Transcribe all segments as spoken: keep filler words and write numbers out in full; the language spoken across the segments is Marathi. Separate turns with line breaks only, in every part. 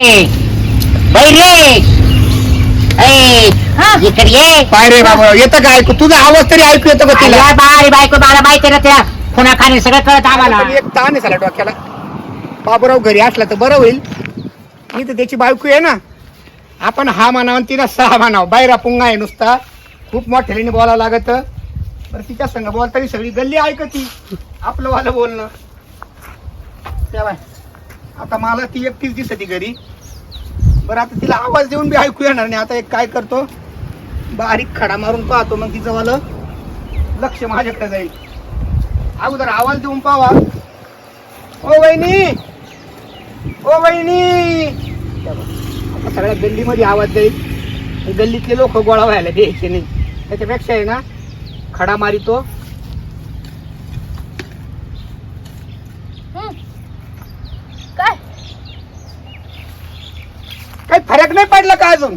पाय रे बाबा येतं का ऐकू तुझा आवाज तरी ऐकू येतो का तिला
बाई बायको मला माहिती ना त्या पुन्हा खाली सगळं कळत आम्हाला.
पण एक ताण आहे साला डोक्याला. बाबूराव घरी असला तर बरं होईल. मी तर त्याची बायको आहे ना. आपण हा म्हणावं आणि तिला सहा म्हणावं. बायरा पुंगा आहे नुसता. खूप मोठ्याने बोलावं लागत. बरं तिच्या संग बोलताना सगळी गल्ली ऐकती आपलं वालं बोलणं. तेव्हा आता मला ती एकटीच दिसती घरी. बरं आता तिला आवाज देऊन बी ऐकू येणार नाही. आता एक काय करतो बारीक खडा मारून पाहतो मग तिचं वालं लक्ष माझ्याकडे जाईल. अगोदर आवाज देऊन पावा. ओ वहिनी ओ वहिनी आता सगळ्या गल्लीमध्ये आवाज जाईल. गल्लीतले लोक गोळा व्हायला द्यायचे नाही. त्याच्यापेक्षा आहे ना खडा मारितो.
काय
काही फरक नाही पडला का अजून?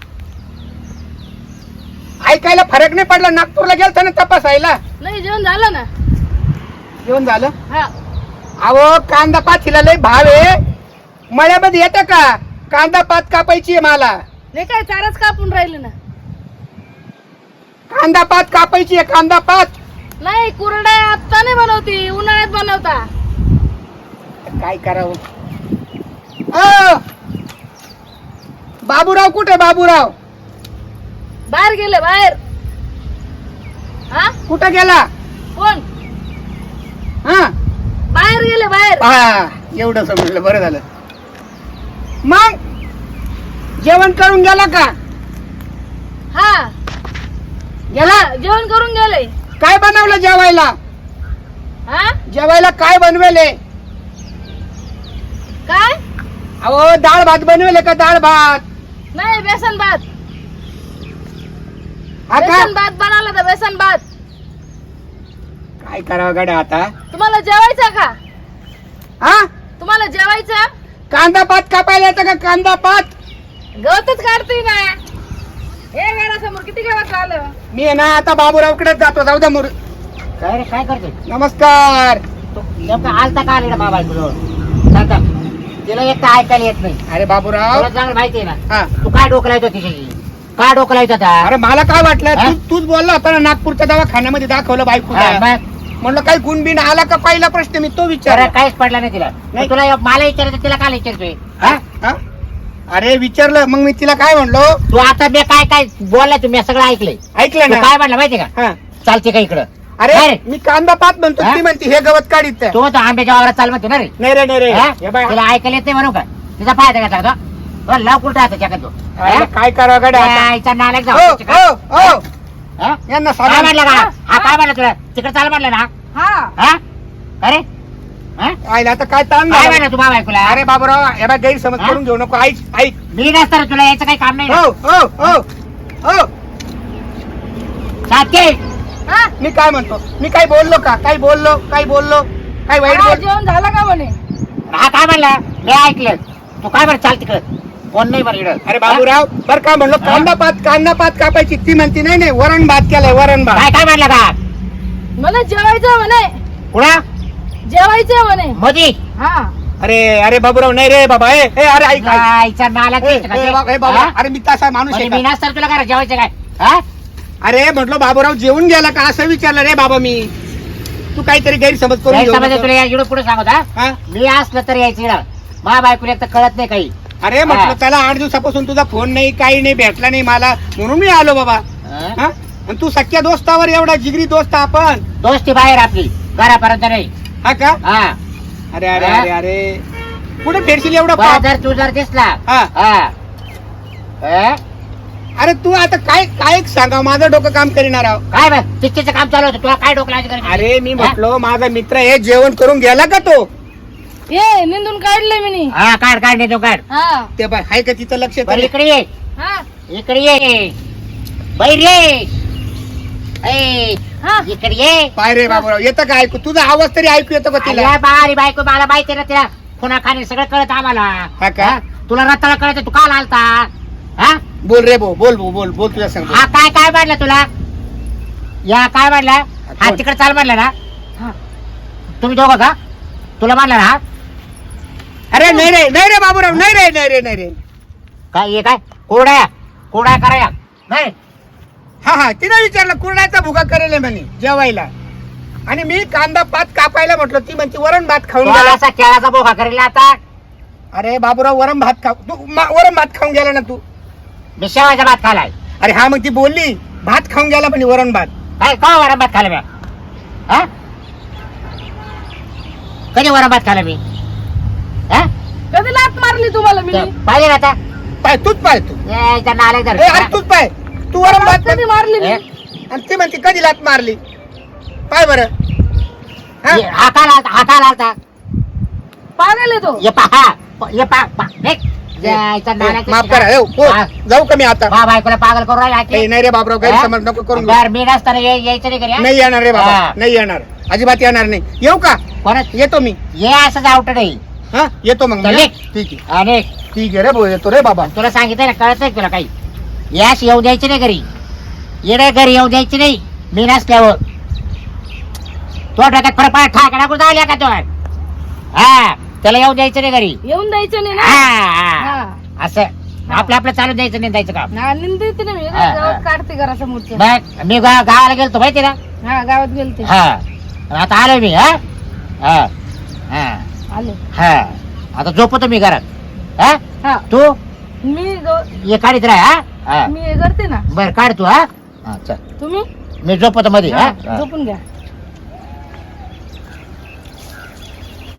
ऐकायला फरक नाही पडला? नागपूरला गेलता ना तपासायला?
नाही जेवण झालं ना.
जेवण झालं?
हा
अहो कांदा पात हिला लय भाव आहे. मळ्यामध्ये येतं का? कांदा पात कापायची आहे मला.
नाही काय चाराच कापून राहिले ना.
कांदा पात कापायची आहे. कांदा पात
नाही कुरड्या आता नाही बनवती उन्हाळ्यात बनवता.
काय करावं? अ बाबूराव कुठे? बाबूराव
बाहेर गेले बाहेर. हा
कुठे गेला?
कोण?
हा
बाहेर गेले बाहेर.
हा एवढं समजलं बरं झालं. मग जेवण करून गेला का?
हा
गेला.
जेवण करून गेले.
काय बनवलं जेवायला?
हा
जेवायला काय बनवेले?
काय?
अहो डाळ भात बनवेले का? डाळ भात?
नाही बेसन भात.
हा का?
बेसन भात बनवला तर बेसन भात.
काय करावं गाड्या आता?
तुम्हाला जेवायचं का?
हा
तुम्हाला जेवायचं?
कांदा पात कापायला येतं का? कांदा पात
गवतच काढते ना. हे घरासमोर किती गवत आलं.
मी आहे ना आता बाबूरावकडेच जातो. जाऊ द्या मुर.
काय रे काय करते
नमस्कार.
तू नेमका आलता का आले ना बाबा सांगता तिला एक तर ऐकायला येत नाही.
अरे बाबूराव
तुला चांगलं माहिती आहे ना
हा
तू काय डोकं लावतो तिच्याशी? काय डोकं लावतो आता?
अरे मला काय वाटलं
हा?
तू तूच बोलला होता ना नागपूरच्या दवाखान्यामध्ये दाखवलं बायको.
हा, मग
म्हणलं काही गुणबिन आला का? पहिला प्रश्न मी तो
जरा
विचार.
काहीच पडला नाही तिला.
नाही.
मग तुला मला विचारायचं तिला काय विचारतोय? हा?
अरे विचारलं मग मी तिला काय म्हणलो?
तू आता मी काय काय बोलला तुम्ही सगळं ऐकलंय.
ऐकलं
तू
ना?
काय म्हणलं माहिती का?
हा.
चालते का इकडं?
अरे
काय?
मी कांदा पात म्हणतो
हा?
ती म्हणते हे गवत काढीत आहे.
तू म्हणतो आंब्याच्या वावरात चाल म्हणतो ना रे.
नाही रे नाही रे
हा?
हे बाय.
तुला ऐकायला येत नाही म्हणू का? तिचा फायदा घेतला का तो? लाव कुठं राहतो चका तू?
अरे काय करावं गाड्या आता?
यायचा नालायक
हो
जाऊ.
हो हो
हा?
यांना
काय
साधा
म्हणलं का?
हा?
हा काय म्हणलं तुला? तिकडे चाल म्हणलं ना?
हा
हा? अरे हा?
आयला आता काय ताण
काय
झाला?
म्हणलं तू बाबा ऐकूला?
अरे बाबूराव हे बघ गैरसमज
हा?
करून घेऊ नको. ऐक ऐक.
मी नसतं रे तुला यायचं काही काम नाही ना.
हो हो हो हो
सातके.
हा
मी काय म्हणतो? मी काय बोललो का? काय बोललो? काय बोललो? काय वाईट
हा,
बोल?
जेवण झालं का म्हणे?
हा काय म्हणला? मी ऐकलं. तू काय म्हणत चाल तिकडं? कोण नाही बरं इकडं.
अरे बाबूराव बर काय म्हणलो?
हा?
कांदा पात कांदा पात कापायची. ती म्हणती नाही नाही वरण भात केलाय वरण भात.
काय काय म्हणलं का?
म्हणे जेवायचं म्हणे.
कुणा?
जेवायचं म्हणे.
मोदी.
हा
अरे अरे बाबूराव नाही रे बाबा. ए ए, अरे ऐक ऐक.
जायचा नालायक
ए,
दिसतो का
ए,
ते?
बा- ए, बाबा
हा?
अरे मी तसा माणूस आहे
म्हणजे मी
का?
नसतं तुला काय जेवायचं काय? हा?
अरे म्हटलं बाबूराव जेवून गेला का असं विचारलं रे बाबा मी. तू काहीतरी गैरसमज करून घेऊ
गैरसमज
नको.
तुला इकडं पुढे सांगत हा?
हा?
मी असलं तर यायचं इकडं. मा बायकोला एक तर कळत नाही काही.
अरे म्हटलं
हा.
त्याला आठ दिवसापासून तुझा फोन नाही काही नाही भेटला नाही मला म्हणून मी आलो बाबा.
हा?
हा? आणि तू सख्या दोस्तावर एवढा जिगरी दोस्त आपण.
दोस्ती बाहेर आपली घरापर्यंत नाही.
हा का?
हा
अरे अरे
हा?
अरे अरे कुठे फेरशील एवढं
बरं
पाप?
जर तू जर दिसला
हा.
हा. हा?
अरे तू आता काय काय सांगा माझं डोकं काम करणार आहो.
काय बघ चिठ्ठीचं काम चालू होतं तुला काय डोकं लावायचं गरज नाही.
अरे मी
हा?
म्हटलो माझा मित्र हे जेवण करून गेला का तो?
ये निंदून काढले मी.
हा काढ काढ नाही तो काढ.
हा
ते बाय हाय का तिचं लक्ष
बरं
तरी?
इकडे ये
हा
इकडे ये बैर ये ए,
हा
इकडे ये.
पाय रे बाबूराव येतं का ऐकू? तुझा आवाज तरी ऐकू येतो का तिला?
अरे बारी बायको मला माहिती ना तिला पुन्हा खाणे सगळं कळत आम्हाला.
हा का?
हा? तुला रताळा कळत तू काल आलता. हा
बोल रे बो बोल बो बोल बोल तुझ्या सांग.
हा काय काय म्हणलं तुला? या काय म्हणला? हा
कोण?
तिकडे चाल म्हणलं ना?
हा
तुम्ही दोघं का? तुला म्हणलं ना? हा?
अरे नाही रे नाही रे बाबूराव नाही रे नाही रे नाही रे
काय हे काय कोरड्या कोरड्या कराया नाही
हा हा तिने विचारलं कुरड्याचा भुगा करेल म्हणे जेवायला आणि मी कांदा पात कापायला म्हटलं ती म्हणते वरण भात खाऊन
तो
गेला
असा केळाचा बोका करेल आता
अरे बाबूराव वरण भात खाऊ तू मा- वरण भात खाऊन गेला ना तू
मी शेवायचा भात खालाय
अरे हा मग ती बोलली भात खाऊन गेला म्हणे वरण भात
काय का वरण भात खाला मी हा कधी वरण भात खाला मी हा
कधी लात मारली तुम्हाला मी
ते पाहिजे ना आता
पाय तूच पाय तू
यायचा नाले
ए, अरे तूच पाय तू वरण भात
कधी मारली मी
आणि ती म्हणते कधी लात मारली पाय बरं हा?
हाताला हाताला आलता
पागल आहे तो
ये पहा ये पा पा निघ. यायचा नाल्या
माफ करा ए, हो, जाऊ का मी आता
बा बायकोला पागल करून राहिला
ए,
की?
नाही रे बाबूराव गैरसमज नको करून घेऊ.
बरं, मी नसताना ये- यायचं नाही घरी हा?
नाही येणार रे बाबा
हा.
नाही येणार अजिबात येणार नाही येऊ का
कोणाच
येतो मी
ये असं आवट नाही
हा येतो मग मी,
चल,
हा?
ये.
ठीक आहे
आणि
ठीक आहे रे भाऊ येतो रे बाबा
तुला सांगितलं ना कळत नाही तुला काही यास येऊ द्यायची नाही घरी येणे घरी येऊ द्यायची नाही मी नसल्यावर तो डोक्यात फरक पडा ठाकडा कुठं आल्या का तो हा त्याला येऊ द्यायचं नाही घरी
येऊन द्यायचं नाही
हा,
ना
हा.
हा.
असं आपलं आपलं चालू द्यायचं नाही द्यायचं काम
हा, निंदायचं नाही मी
हा, हा.
गावात काढते घरासमोरच्या
मग मी गा- गावाला गेलतो माहिती ना
हा गावात गेलते
हा आता आलो मी हा हा हा
आले
हा आता झोपतो मी घरात हा
हा
तू
मी गो-
ये काढीत राह हा हा
मी हे करते ना
बर काढ तू हा हा चल
तुम्ही
मी झोपतो मध्ये
हा,
हा
झोपून घ्या